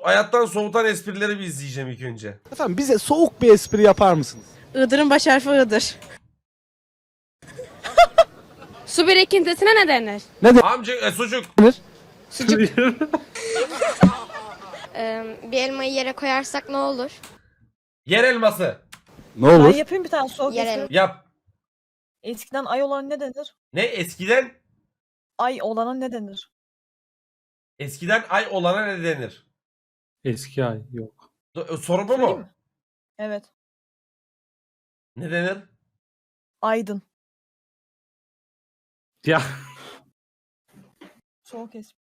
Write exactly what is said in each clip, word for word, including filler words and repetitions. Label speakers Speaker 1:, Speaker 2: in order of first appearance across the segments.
Speaker 1: hayattan soğutan esprileri bir izleyeceğim ilk önce.
Speaker 2: Efendim bize soğuk bir espri yapar mısınız?
Speaker 3: Iğdır'ın baş harfi Iğdır. Su birikintisine ne denir?
Speaker 1: Amca e, sucuk.
Speaker 3: Sucuk.
Speaker 4: Ee, bir elmayı yere koyarsak ne olur?
Speaker 1: Yer elması.
Speaker 2: Ne
Speaker 5: Ben
Speaker 2: olur?
Speaker 5: yapayım bir tane soğuk
Speaker 4: Yer
Speaker 5: espri.
Speaker 1: Yap.
Speaker 5: Eskiden ay olan ne denir?
Speaker 1: Ne eskiden?
Speaker 5: Ay olana ne denir?
Speaker 1: Eskiden ay olana ne denir?
Speaker 6: Eski ay yok.
Speaker 1: Do- Soru bu
Speaker 5: Söyleyeyim
Speaker 1: mu?
Speaker 5: mi? Evet.
Speaker 1: Ne denir?
Speaker 5: Aydın.
Speaker 6: Ya
Speaker 5: Soğuk espri.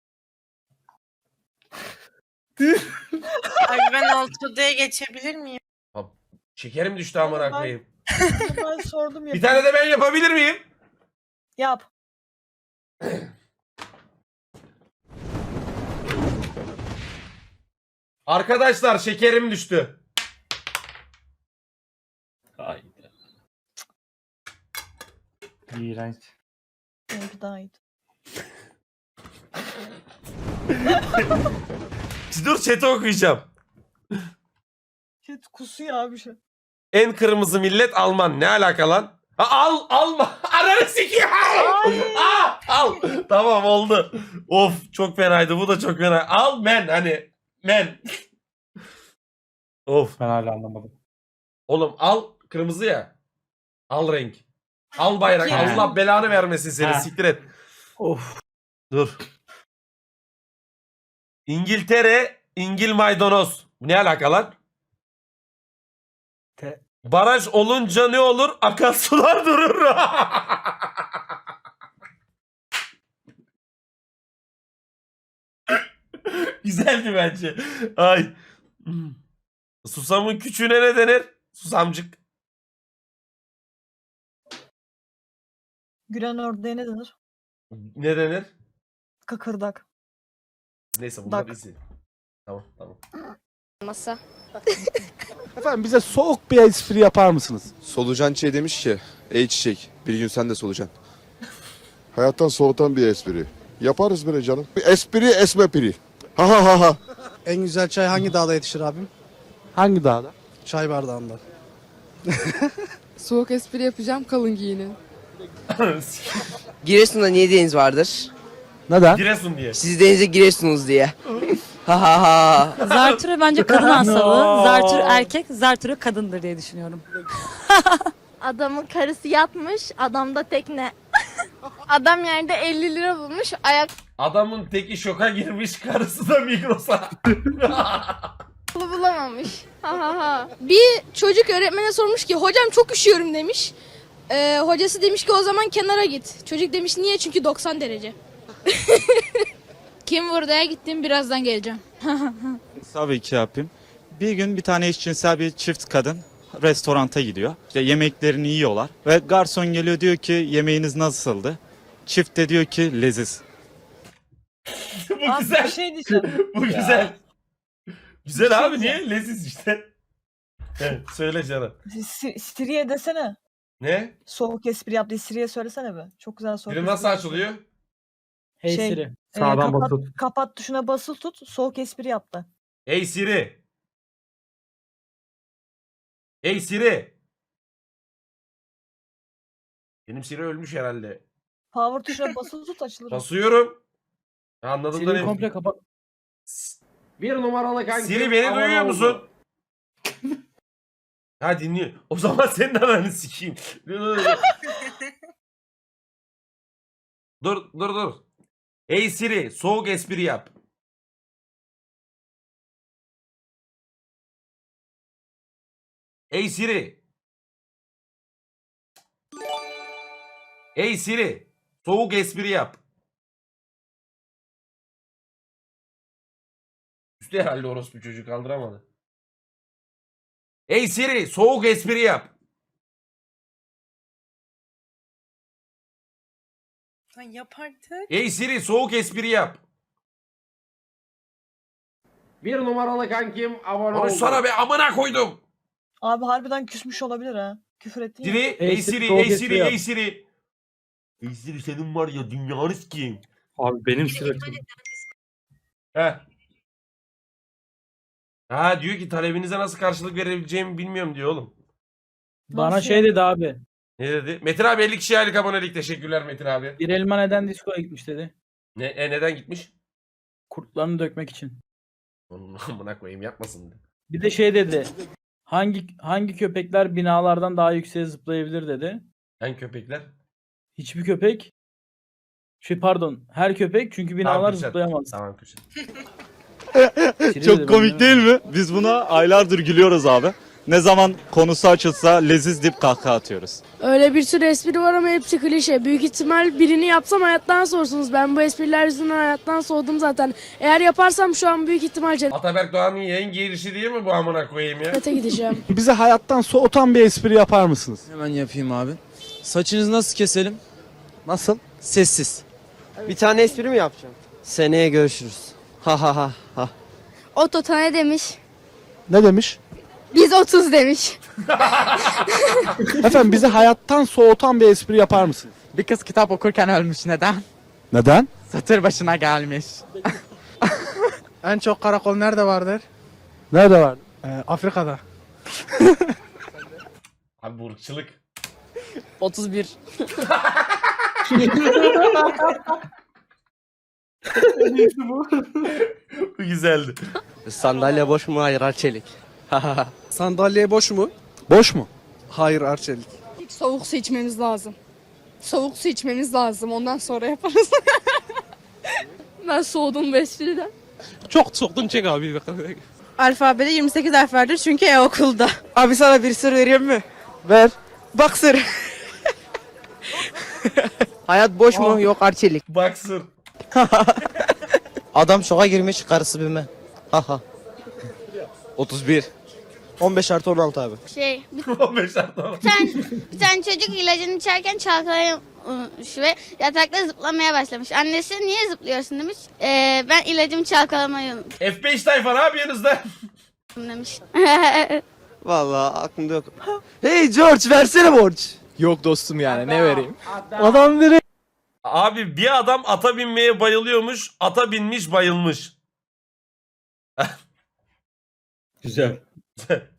Speaker 7: Ay ben altıya geçebilir miyim?
Speaker 1: Şekerim düştü amına
Speaker 5: Ben-
Speaker 1: koyayım.
Speaker 5: Ben sordum ya.
Speaker 1: Bir tane de ben yapabilir miyim?
Speaker 5: Yap.
Speaker 1: Arkadaşlar şekerim düştü.
Speaker 6: haydi. İğrenç.
Speaker 5: Benimki daha iyiydi.
Speaker 1: Dur chat'i okuyacağım.
Speaker 5: Shit kusuyor abi şu.
Speaker 1: En kırmızı millet Alman. Ne alaka lan? Ha, al alma. Ananı sikeyim. Aa, al. Tamam oldu. Of çok fenaydı. Bu da çok fena. Al men hani. Men. Of.
Speaker 6: Ben hala anlamadım.
Speaker 1: Oğlum al kırmızı ya. Al renk. Al bayrak.
Speaker 5: He.
Speaker 1: Allah belanı vermesin seni.
Speaker 6: He.
Speaker 1: Siktir et.
Speaker 6: Of.
Speaker 1: Dur. İngiltere, İngil maydanoz. Bu ne alaka lan?
Speaker 6: Te-
Speaker 1: Baraj olunca ne olur? Akarsular durur. Güzeldi bence. Ay. Susamın küçüğüne ne denir? Susamcık.
Speaker 5: Gülen ördeğe ne denir?
Speaker 1: Ne denir?
Speaker 5: Kıkırdak.
Speaker 1: Neyse bunlar
Speaker 5: Dak.
Speaker 1: izi. Tamam tamam.
Speaker 4: Masa.
Speaker 2: Efendim bize soğuk bir espri yapar mısınız?
Speaker 8: Solucan Çiğ demiş ki, ey çiçek bir gün sen de solucan.
Speaker 9: Hayattan soğutan bir espri. Yaparız böyle canım. Bir espri esme piri. Ha ha ha ha.
Speaker 10: En güzel çay hangi dağda yetişir abim?
Speaker 2: Hangi dağda?
Speaker 10: Çay bardağında.
Speaker 3: Soğuk espri yapacağım, kalın giyinin.
Speaker 11: Giresun'da niye deniz vardır?
Speaker 2: Neden?
Speaker 1: Giresun diye.
Speaker 11: Siz denize giriyorsunuz diye. Ha ha ha.
Speaker 3: Zartürü bence kadın hastalığı. Zartür erkek, zartürü kadındır diye düşünüyorum.
Speaker 4: Adamın karısı yatmış, adamda tekne. Adam yerde elli lira bulmuş, ayak
Speaker 1: Adamın teki şoka girmiş, karısı da Migros'a.
Speaker 4: bulamamış. Ha ha ha. Bir çocuk öğretmene sormuş ki hocam çok üşüyorum demiş. Ee, hocası demiş ki o zaman kenara git. Çocuk demiş niye? Çünkü doksan derece. Kim vurdaya gittim birazdan geleceğim.
Speaker 12: Tabii ki yapayım. Bir gün bir tane eşcinsel bir çift kadın restoranta gidiyor. İşte yemeklerini yiyorlar ve garson geliyor diyor ki yemeğiniz nasıldı? Çift de diyor ki leziz.
Speaker 1: Bu
Speaker 5: Abi bir
Speaker 1: güzel.
Speaker 5: şey diyeceğim.
Speaker 1: Bu güzel. Güzel
Speaker 5: Bir şey
Speaker 1: abi niye? Leziz işte. Evet, söyle canım.
Speaker 5: Si- Siri'ye desene.
Speaker 1: Ne?
Speaker 5: Soğuk espri yap diye Siri'ye söylesene be. Çok güzel soğuk
Speaker 1: Biri
Speaker 5: espri
Speaker 1: nasıl
Speaker 5: yapıyor.
Speaker 1: açılıyor?
Speaker 10: Hey
Speaker 5: Şey,
Speaker 10: Siri.
Speaker 5: Ee,
Speaker 6: Sağdan
Speaker 5: kapat,
Speaker 6: basıp.
Speaker 5: kapat tuşuna basılı tut. Soğuk espri yaptı.
Speaker 1: Hey Siri. Hey Siri. Benim Siri ölmüş herhalde.
Speaker 5: Power tuşuna basılı tut açılır.
Speaker 1: Basıyorum. Anladım da
Speaker 10: Siri'yi
Speaker 1: ne?
Speaker 10: komple kapat.
Speaker 6: Bir numaralı kanki.
Speaker 1: Siri beni
Speaker 6: abone
Speaker 1: duyuyor
Speaker 6: oldu.
Speaker 1: musun? Ha dinliyor. O zaman senin ananı sikeyim. Dur dur dur. Hey Siri soğuk espri yap. Hey Siri. Hey Siri soğuk espri yap. Üstü herhalde orospu çocuk kaldıramadı. Hey Siri soğuk espri yap.
Speaker 7: Lan yap artık.
Speaker 1: Hey Siri soğuk espri yap.
Speaker 6: Bir numaralı kankim abone oldu.
Speaker 1: Konuşsana be amına koydum.
Speaker 5: Abi harbiden küsmüş olabilir ha. Küfür ettin ya.
Speaker 1: Siri,
Speaker 6: Hey
Speaker 1: hey
Speaker 6: Siri,
Speaker 1: Siri,
Speaker 6: soğuk
Speaker 1: hey
Speaker 6: espri
Speaker 1: Siri,
Speaker 6: yap.
Speaker 1: hey Siri. Hey Siri senin var ya dünyanız kim?
Speaker 6: Abi benim sürekli.
Speaker 1: Heh. Ha diyor ki talebinize nasıl karşılık verebileceğimi bilmiyorum diyor oğlum.
Speaker 5: Bana Nasıl? şey
Speaker 6: dedi abi.
Speaker 1: Ne dedi? Metin abi elli kişiye aylık abonelik. Teşekkürler Metin abi.
Speaker 6: Bir elma neden diskoya gitmiş dedi.
Speaker 1: Ne, e, neden gitmiş?
Speaker 6: Kurtlarını dökmek için.
Speaker 1: Onun amına koyayım yapmasın.
Speaker 6: Bir de şey dedi. Hangi hangi köpekler binalardan daha yükseğe zıplayabilir dedi.
Speaker 1: Hangi köpekler?
Speaker 6: Hiçbir köpek. Şey pardon, her köpek çünkü binalar
Speaker 1: Tamam, Kürşat.
Speaker 6: zıplayamaz.
Speaker 1: Tamam Kürşat.
Speaker 6: Siri dedi,
Speaker 12: Çok
Speaker 6: ben
Speaker 12: komik
Speaker 6: demedim.
Speaker 12: değil mi? Biz buna aylardır gülüyoruz abi. Ne zaman konusu açılsa leziz dip kahkaha atıyoruz.
Speaker 4: Öyle bir sürü espri var ama hepsi klişe. Büyük ihtimal birini yapsam hayattan soğursunuz. Ben bu espriler yüzünden hayattan soğudum zaten. Eğer yaparsam şu an büyük ihtimal
Speaker 1: Ataberk Doğan'ın yayın girişi değil mi bu amına koyayım ya?
Speaker 4: cennete gideceğim.
Speaker 2: Bize hayattan soğutan bir espri yapar mısınız?
Speaker 11: Hemen yapayım abi. Saçınızı nasıl keselim?
Speaker 2: Nasıl?
Speaker 11: Sessiz. Bir tane espri mi yapacağım? Seneye görüşürüz. Ha ha ha ha.
Speaker 4: Oto ne demiş?
Speaker 2: Ne demiş?
Speaker 4: Biz otuz demiş.
Speaker 2: Efendim bize hayattan soğutan bir espri yapar mısınız?
Speaker 11: Bir kız kitap okurken ölmüş. Neden?
Speaker 2: Neden?
Speaker 11: Satır başına gelmiş.
Speaker 10: En çok karakol nerede vardır?
Speaker 2: Nerede var?
Speaker 10: Ee, Afrika'da.
Speaker 1: Abi bu ırkçılık.
Speaker 11: otuz bir.
Speaker 1: Bu güzeldi.
Speaker 11: Sandalye boş mu? Hayır Arçelik.
Speaker 10: Sandalye boş mu?
Speaker 2: Boş mu?
Speaker 10: Hayır Arçelik.
Speaker 4: Soğuk su içmemiz lazım. Soğuk su içmemiz lazım. Ondan sonra yaparız. Ben soğudum bu espriden.
Speaker 10: Çok soktun çek abi.
Speaker 7: Alfabede yirmi sekiz harf vardır çünkü e-okulda.
Speaker 11: Abi sana bir sır vereyim mi?
Speaker 2: Ver.
Speaker 11: Bak sır. Hayat boş mu? Yok Arçelik.
Speaker 1: Baksır.
Speaker 11: Adam şoka girmiş karısı bilme. Haha. otuz bir. on beş artı on altı abi.
Speaker 4: Şey,
Speaker 1: on beş artı
Speaker 4: bir tane, bir tane çocuk ilacını içerken çalkalamış ve yatakta zıplamaya başlamış. Annesi niye zıplıyorsun demiş. Ee, ben ilacımı çalkalamayı unuttum
Speaker 1: F beş tayfa ne yapıyorsunuz da?
Speaker 4: demiş.
Speaker 11: Vallahi aklımda yok. Hey George versene borç. Yok dostum yani ne vereyim?
Speaker 2: Adam direkt
Speaker 1: Abi bir adam ata binmeye bayılıyormuş. Ata binmiş bayılmış.
Speaker 6: Güzel.